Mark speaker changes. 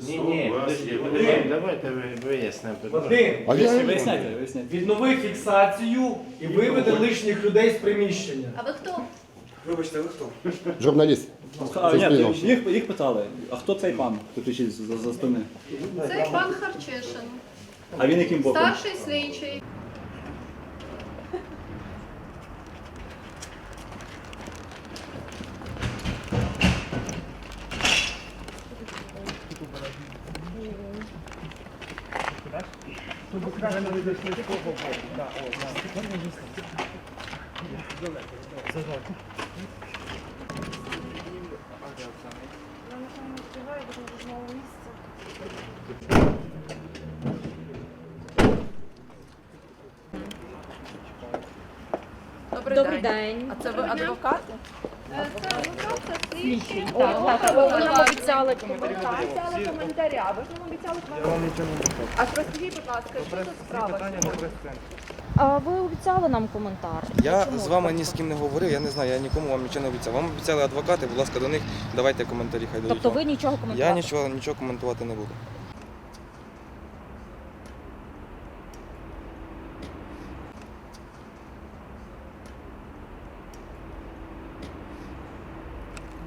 Speaker 1: Ні, давайте вияснимо.
Speaker 2: Вадим,
Speaker 3: Виясняйте.
Speaker 2: віднови фіксацію і виведи лишніх людей з приміщення.
Speaker 4: А ви хто?
Speaker 2: Вибачте, ви хто?
Speaker 5: Журналіст.
Speaker 3: Їх питали, а хто цей пан, хто кричить за спини?
Speaker 4: Це пан Харчишин,
Speaker 3: А він яким боком?
Speaker 4: старший слідчий.
Speaker 6: Добрий день.
Speaker 7: А це ви адвокати?
Speaker 4: Це адвокат, це слідчий.
Speaker 6: Ви нам обіцяли
Speaker 7: коментаря. Ви ж нам обіцяли А розкажіть, будь ласка, що тут справа?
Speaker 6: Ви обіцяли нам коментар.
Speaker 8: Я з вами ні з ким не говорив, я не знаю, я нікому вам нічого не обіцяв. Вам обіцяли адвокати, будь ласка, до них давайте коментарі, хай дають.
Speaker 6: Тобто
Speaker 8: вам.
Speaker 6: ви нічого
Speaker 8: Я
Speaker 6: коментувати?
Speaker 8: нічого коментувати не буду.